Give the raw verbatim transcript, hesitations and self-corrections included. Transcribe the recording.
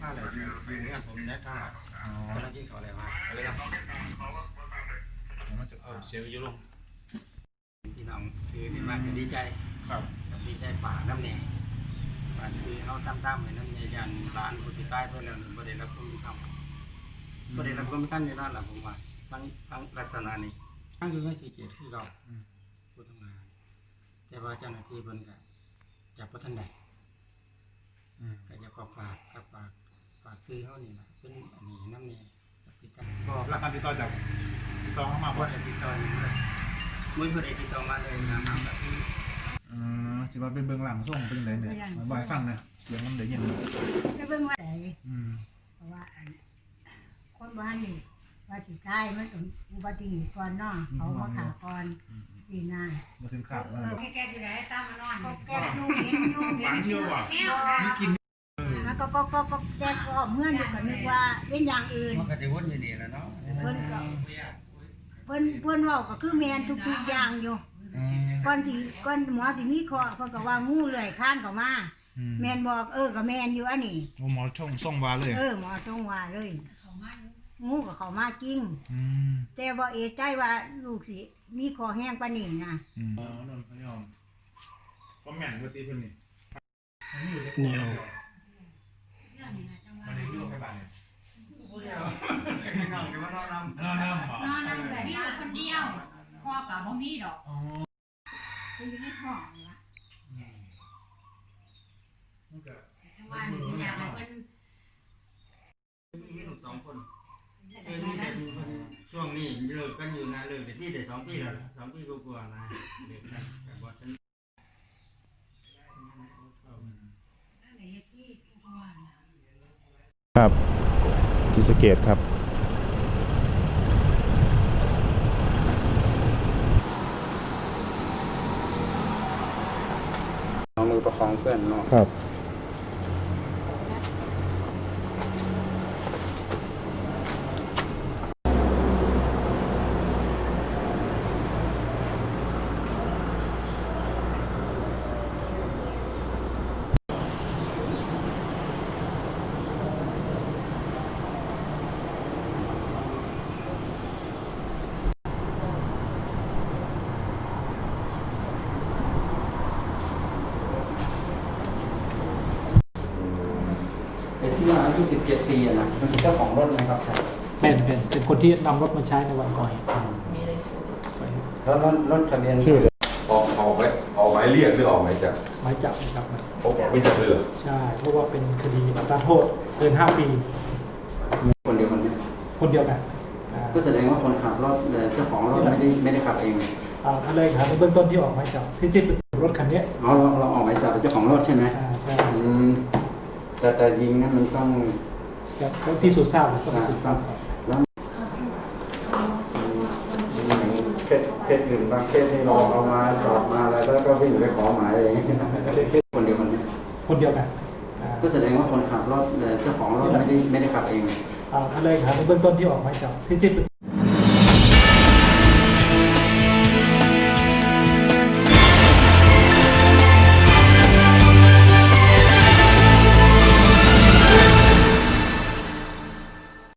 มาเลยอยู่เงี้ยผมแนะข้าวกำลังกินข้าวอะไรมาอะไรครับมันจะเพิ่มเสียงอยู่ลงพี่น้องซื้อนี่มากจะดีใจครับดีใจฝากน้ำแหน่ฝากซื้อเขาตั้มๆเหมือนน้ำแหน่ยันร้านคนที่ใต้เพื่อนเราประเด็นรับความยุติธรรมประเด็นรับความยุติธรรมในด้านหลังผมว่าทั้งทั้งลักษณะนี้ทั้งคือไม่สีเกียรติที่เราผู้ทำงานแต่ว่าเจ้าหน้าที่บนกับจากพระท่านใดก็จะฝากฝากกับฝากฝากซื้อเขานี่นะเป็นอันนี้น้ำแหน่ติดต่อก็รับการติดต่อจากติดต่อเข้ามาบ่ได้ติดต่อเลยมื้อบ่ได้ติดต่อมาเลยนะครับแบบนี้อืมสิว่าเป็นเบื้องหลังส่งเป็นยังไงเนี่ยมาบ่อยฟังนะเสียงมันได้ยินไปเบิ่งว่าไดอืมเพราะว่าอันคนบ้านนี่ว่าสิตายมันต้องอุบัติเหตุก่อนเนาะเขามาขาก่อนสิน่ะมาถึงข่าวแล้วแกอยู่ไหนตามมานอนก็แก้อยู่เห็นอยู่เห็ฝันนออยู่ยู่ว่ะแก้วมีกินแล้วก็ก็ก็ก็แก้ก็เมื่อนอยู่ก็นึกว่าเป็นอย่างอื่นมันก็จะวนอยู่นี่แหละเนาะเพิ่นก็เพิ่นเพิ่นเว้าก็คือแม่นทุกๆอย่างอยู่ก่อนสิก่อนหมอสิมีข้อเพิ่นก็ว่างูเลื้อยคลานเข้ามาแม่นบอกเออก็แม่นอยู่อันนี้โอ้หมอช่องส่งวาเลยเออหมอจงว่าเลยงูก็เข้ามาจริงอืมแต่บ่เอะใจว่าลูกสิมีคอแห้งปานนี้นะอืมอ๋อนนท์พยอมก็แม่นกว่าตีเพิ่นนี่นี่เอามันได้อยู่ไปบ้านเนี่ยพี่น้องอยู่ว่านอนนำนอนน้ำบ่นอนนั่งแบบพี่คนเดียวพ่อกับพ่อพี่ดอกอ๋อคืออยู่ในท้องนี่ล่ะมันก็ทั้งวันนี่อยากให้เพิ่นมีลูกสองคนเออนี่เป็นช่วงนี้เลิกกันอยู่นะเลิกไปที่ได้สองปีแล้วสองปีกว่าๆนะเลิกกันแต่บ่ทันครับศรีสะเกษครับเอามือประคองเพื่อนเนาะครับไอ้ที่ว่าอายุสิบเจ็ดปีอะนะมันเป็นเจ้าของรถไหมครับเป็นเป็นเป็นคนที่นำรถมาใช้ในวันก่อเหตุแล้วรถรถทะเบียนชื่อออกออกไหมออกหมายเรียกหรือออกหมายจับหมายจับนะครับออกไม่จับเลยเหรอใช่เพราะว่าเป็นคดีอัตราโทษเกินห้าปีคนเดียวกันไหมคนเดียวกันอ่าก็แสดงว่าคนขับรถเจ้าของรถไม่ได้ไม่ได้ขับเองอ่าท่านเลยครับในเบื้องต้นที่ออกหมายจับที่ที่เป็นรถคันนี้เราเราเราออกหมายจับเจ้าของรถใช่ไหมอ่าใช่อืมแต่แต่ยิงนั้นมันต้องครับแล้วที่สุดทราบก็พิสูจน์ทราบครับแล้วเคสเคสอื่นบางเคสที่เราเอามาสอบมาแล้วก็วิ่งไปขอหมายเองคนเดียวกันไหมคนเดียวกันอ่าก็แสดงว่าคนขับรถเจ้าของรถไม่ได้ไม่ได้ขับเองอ่าท่านเลยครับในเบื้องต้นที่ออกหมายจับที่ที่เป็น